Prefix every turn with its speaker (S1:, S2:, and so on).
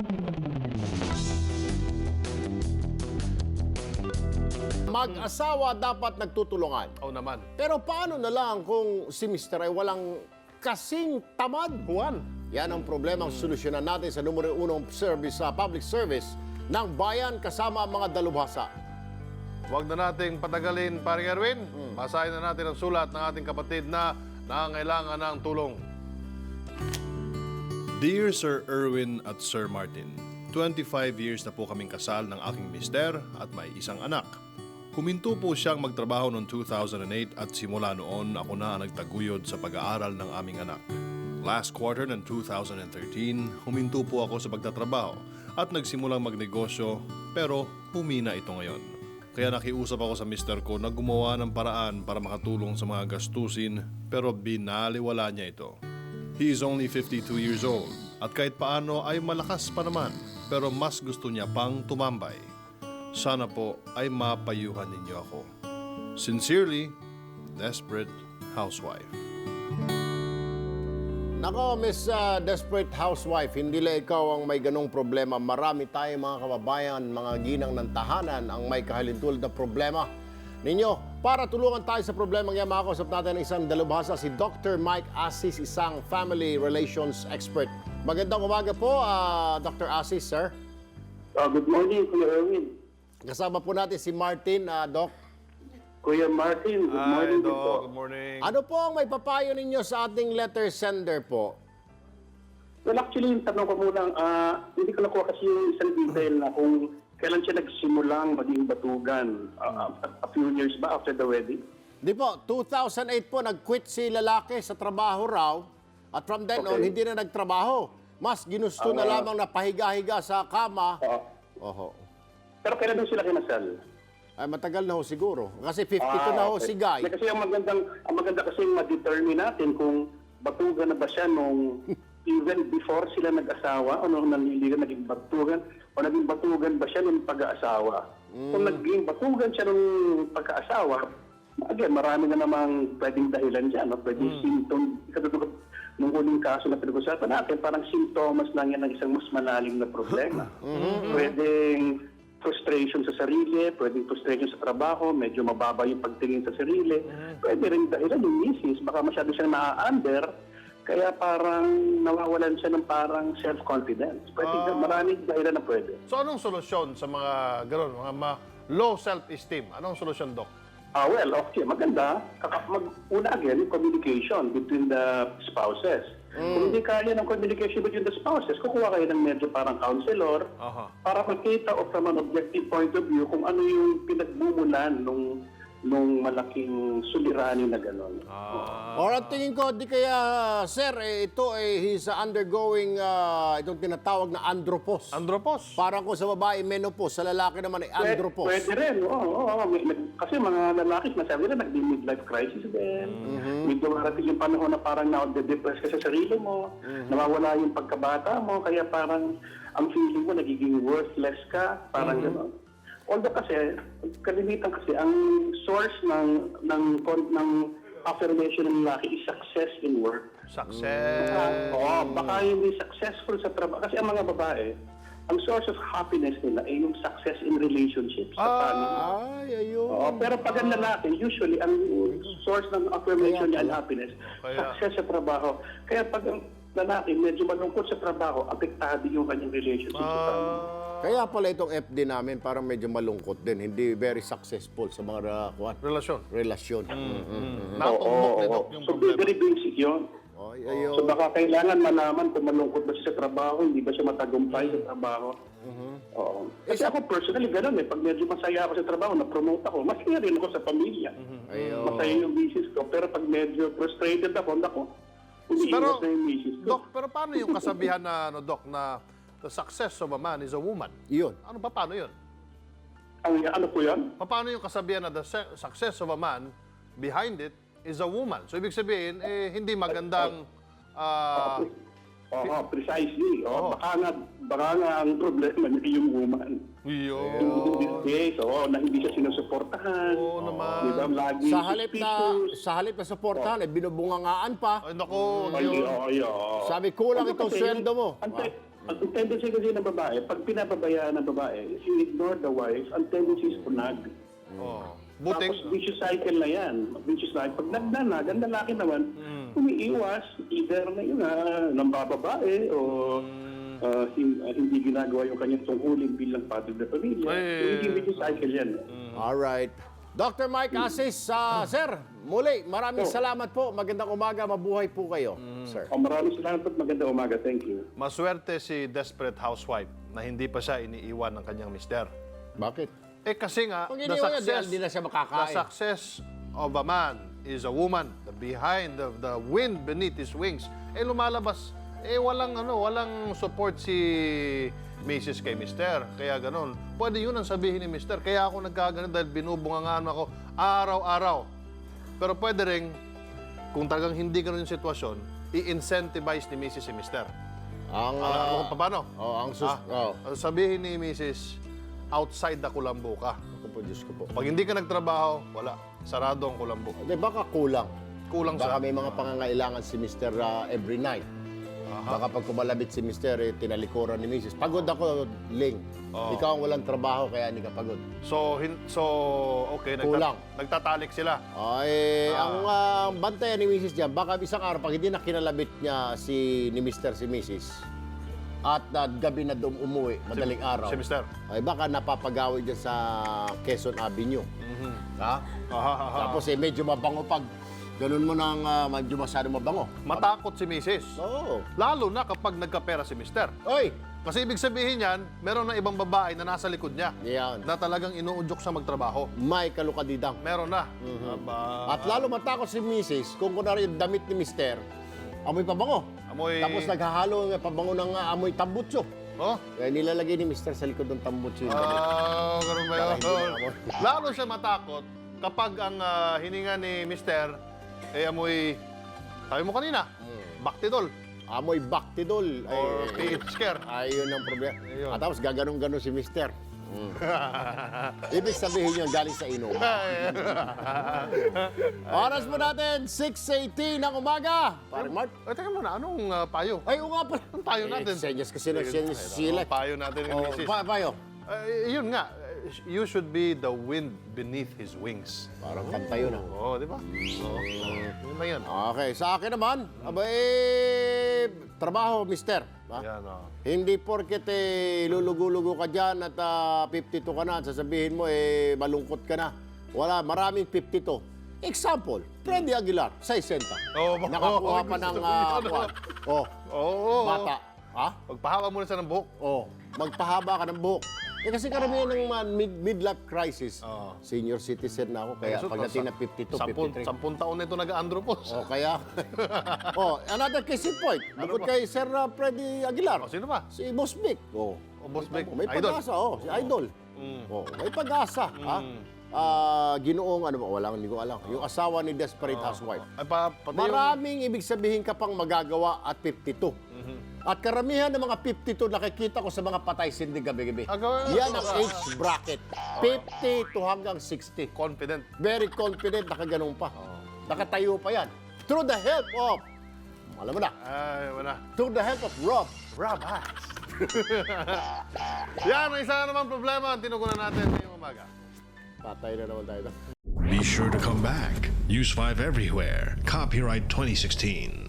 S1: Mag-asawa dapat nagtutulungan.
S2: Oo naman.
S1: Pero paano na lang kung si Mr. ay walang kasing tamad?
S2: Juan.
S1: Yan ang problemang solusyonan natin sa numero 1 service sa public service ng bayan kasama ang mga dalubhasa.
S2: Huwag na nating patagalin, paring Erwin. Basahin na natin ang sulat ng ating kapatid na nangangailangan ng tulong.
S3: Dear Sir Erwin at Sir Martin, 25 years na po kaming kasal ng aking mister at may isang anak. Huminto po siyang magtrabaho noong 2008 at simula noon ako na ang nagtaguyod sa pag-aaral ng aming anak. Last quarter ng 2013, huminto po ako sa pagtatrabaho at nagsimulang magnegosyo pero humina ito ngayon. Kaya nakiusap ako sa mister ko na gumawa ng paraan para makatulong sa mga gastusin pero binaliwala niya ito. He is only 52 years old at kahit paano ay malakas pa naman pero mas gusto niya pang tumambay. Sana po ay mapayuhan ninyo ako. Sincerely, Desperate Housewife.
S1: Nako, Miss Desperate Housewife, hindi lang ikaw ang may ganong problema. Marami tayong mga kababayan, mga ginang ng tahanan ang may kahalintulad na problema ninyo. Para tulungan tayo sa problemang yan, makakausap natin ang isang dalubhasa, si Dr. Mike Asis, isang family relations expert. Magandang umaga po, Dr. Asis, sir.
S4: Good morning, Kuya Erwin.
S1: Kasama po natin si Martin, Doc.
S4: Kuya Martin, good morning din po.
S2: Good morning.
S1: Ano po ang may papayo ninyo sa ating letter sender po?
S4: Well, actually, yung tanong ko muna, hindi ko nakuha kasi yung isang detail na kung kailan siya nagsimulang maging batugan. A few years ba after the wedding?
S1: Di po, 2008 po, nag-quit si lalaki sa trabaho raw. At from then on,
S4: Okay.
S1: hindi na nagtrabaho. Mas ginusto na lamang na pahiga-higa sa kama. Oho.
S4: Pero kailan doon sila kinasal?
S1: Ay, matagal na ho siguro. Kasi 52 na ho si Guy.
S4: Kasi ang maganda kasi ma-determine natin kung batugan na ba siya nung even before sila nag-asawa o nung nanliligan naging batugan o naging batugan ba siya nung pag-aasawa. Kung naging batugan siya nung pagkaasawa, again, marami na namang pwedeng dahilan dyan. No? Pwedeng symptom. Katulad nung huling kaso na pinag-usapan natin, parang simptomas lang yan ng isang mas malalim na problema. Pwedeng frustration sa sarili, pwedeng frustration sa trabaho, medyo mababa yung pagtingin sa sarili. Pwede rin dahilan yung misis, baka masyado siyang na-under, kaya parang nawawalan siya ng parang self-confidence. Pwede, maraming dahilan na pwede.
S2: So anong solusyon sa mga gano'n, mga low self-esteem? Anong solusyon, Doc?
S4: Well, okay, maganda. Una again, communication between the spouses. Kung hindi kaya ng communication between the spouses, kukuha kayo ng medyo parang counselor para makita o from an objective point of view kung ano yung pinagmumulan nung malaking suliranin na gano'n.
S1: Or ang tingin ko, di kaya, sir, ito he's undergoing itong tinatawag na andropause.
S2: Andropause.
S1: Parang kung sa babae, menopause, sa lalaki naman ay andropause.
S4: Pwede rin, oo. Kasi mga lalaki, masabi na nag-midlife crisis din. May dumarating yung panahon na parang na-depress ka sa sarili mo, nawawala yung pagkabata mo, kaya parang ang feeling mo nagiging worthless ka, parang gano'n. Although kasi, kalimitan kasi, ang source ng affirmation ng lalaki is success in work.
S2: Success.
S4: Baka hindi successful sa trabaho. Kasi ang mga babae, ang source of happiness nila ay yung success in relationships sa family.
S1: Ay, ayun.
S4: Pero pag ang lalaki, usually, ang source ng affirmation niya and happiness, success sa trabaho. Kaya pag ang lalaki medyo malungkot sa trabaho, apektado yung kanyang relationship sa family.
S1: Kaya pala itong FD namin parang medyo malungkot din. Hindi very successful sa mga relasyon.
S2: Natumbok ni Doc yung
S4: So,
S2: problema.
S4: very basic yun.
S1: Ay, ayun.
S4: So baka kailangan malaman kung malungkot ba siya sa trabaho, hindi ba siya matagumpay sa trabaho. Oo. Kasi ako personally gano'n Pag medyo masaya ako sa trabaho, na-promote ako, masaya rin ako sa pamilya. Masaya yung business ko. Pero pag medyo frustrated ako, umiiwas na yung business ko.
S2: Doc, pero paano yung kasabihan na, Doc, na the success of a man is a woman?
S1: Yun.
S2: Paano yun?
S4: Ano po yan?
S2: Paano yung kasabihan na the success of a man behind it is a woman? So, ibig sabihin, hindi magandang...
S4: precisely. Baka nga ang problema niya yung woman.
S2: Yun.
S4: In this case, na hindi siya sinusuportahan.
S2: Oo naman.
S4: Di ba, lagi
S1: Sa halip na suportahan, binubungangaan pa.
S2: Ay, naku.
S1: Sabi, kulang itong sweldo mo.
S4: Ang tendency kasi ng babae, pag pinababayaan ng babae, if you ignore the wife, ang tendency is to nag.
S2: Oh.
S4: Tapos vicious cycle na yan. Vicious cycle. Pag nagnanag, ang lalaki naman, umiiwas, either na yun, nambababae o hindi ginagawa yung kanyang tungkulin bilang padre ng pamilya. So, hindi vicious cycle yan.
S1: Alright. Dr. Mike Asis, sir, muli, maraming salamat po. Magandang umaga, mabuhay po kayo, sir.
S4: Maraming salamat at magandang umaga. Thank you.
S2: Maswerte si desperate housewife na hindi pa siya iniiwan ng kanyang mister.
S1: Bakit?
S2: Eh kasi nga,
S1: Kung
S2: the
S1: iniwan niya,
S2: success,
S1: di na siya
S2: the
S1: makakain.
S2: success of a man is a woman. The behind the wind beneath his wings. Eh lumalabas, walang support si Mrs. kay Mister. Kaya ganun. Pwede yun ang sabihin ni Mister. Kaya ako nagkaganon dahil binubungangaan ako araw-araw. Pero pwede rin, kung talagang hindi ganun yung sitwasyon, i-incentivize ni Mrs. si Mister.
S1: Ang,
S2: Alam mo paano? Sabihin ni Mrs., outside the kulambo ka.
S1: Ako po, Diyos ko po.
S2: Pag hindi ka nagtrabaho, wala. Sarado ang kulambo.
S1: Hindi, baka kulang.
S2: Kulang
S1: Baka
S2: sa...
S1: may mga pangangailangan si Mr. Every night. Baka pag kumalabit si Mr. Tinalikuran ni Mrs. Pagod ako, Ling. Ikaw ang walang trabaho, kaya hindi ka pagod.
S2: So okay,
S1: Kulang.
S2: nagtatalik sila.
S1: Ay, ang bantayan ni Mrs. dyan, baka isang araw, pag hindi na kinalabit niya si Mr. si Mrs. at gabi na umuwi, madaling araw.
S2: Si Mr.
S1: Ay, baka napapagawi dyan sa Quezon Avenue. Ha? Tapos medyo mabango pag ganun mo nang medyo masyado mabango.
S2: Matakot si Mrs.
S1: Oo.
S2: Lalo na kapag nagkapera si Mr.
S1: Oy!
S2: Kasi ibig sabihin yan, meron na ibang babae na nasa likod niya
S1: Yan.
S2: na talagang inuudyok sa magtrabaho.
S1: May kalukadidang.
S2: Meron na. Aba,
S1: At lalo matakot si Mrs. kung kunwari yung damit ni Mr. Amoy pabango.
S2: Amoy...
S1: Tapos naghahalo ng pabango ng amoy tambutso.
S2: Oh?
S1: Kaya nilalagay ni Mr. sa likod ng tambutso yung damit.
S2: Ganun ba yun?
S1: Para hindi na amoy.
S2: Lalo siya matakot kapag ang hininga ni Mr. Amoy, sabi mo kanina, Bactidol
S1: Amoy baktidol.
S2: or PH Care.
S1: Ayun ang problema.
S2: Ayun.
S1: At tapos gaganong-ganon si Mr. Ibig sabihin yun, galing sa inom. Oras mo natin, 6:18 ng umaga. Pare Mark.
S2: Teka muna, anong payo?
S1: Ay, oo nga pala.
S2: Anong payo natin?
S1: Senyas kasi ng senyas sila.
S2: Payo natin ni Mrs.
S1: Payo.
S2: Yun nga, you should be the wind beneath his wings.
S1: Parang kanta yun.
S2: Oo, di ba? Yun na yan.
S1: Okay, sa akin naman, trabaho, mister. Ha?
S2: Yan,
S1: Hindi porket lulugo-lugo ka dyan at 52 ka na at sasabihin mo malungkot ka na. Wala, maraming 52. Example, Freddy Aguilar, 60. Nakakuha pa ng bata. Ha?
S2: Pagpahaba muna siya ng buhok.
S1: Magpahaba ka ng buhok. Kasi karamihan ng midlife crisis, senior citizen na ako, kaya pagdating na 52, 53.
S2: 10 taon na ito nag-andropos.
S1: Kaya, another case in point. Bukod kay Sir Freddy Aguilar.
S2: Sino ba?
S1: Si Boss Vic.
S2: Boss Vic,
S1: May
S2: idol.
S1: pag-asa, si Idol. May pag-asa. Ginoong, hindi ko alam. Yung asawa ni Desperate Housewife.
S2: Ay, pati
S1: Maraming ibig sabihin ka pang magagawa at 52. At karamihan ng mga 52 nakikita ko sa mga patay sindi gabi-gabi. Yan ang age bracket. 50 to hanggang 60.
S2: confident.
S1: Very confident, nakaganong pa. Nakatayo pa yan. Through the help of, alam mo na,
S2: Ay, wala.
S1: through the help of Rob.
S2: Rob Hacks. Yan, ang isa na naman problema ang tinugunan natin ngayong umaga.
S1: Patay na naman tayo.
S5: Be sure to come back. Use 5 everywhere. Copyright 2016.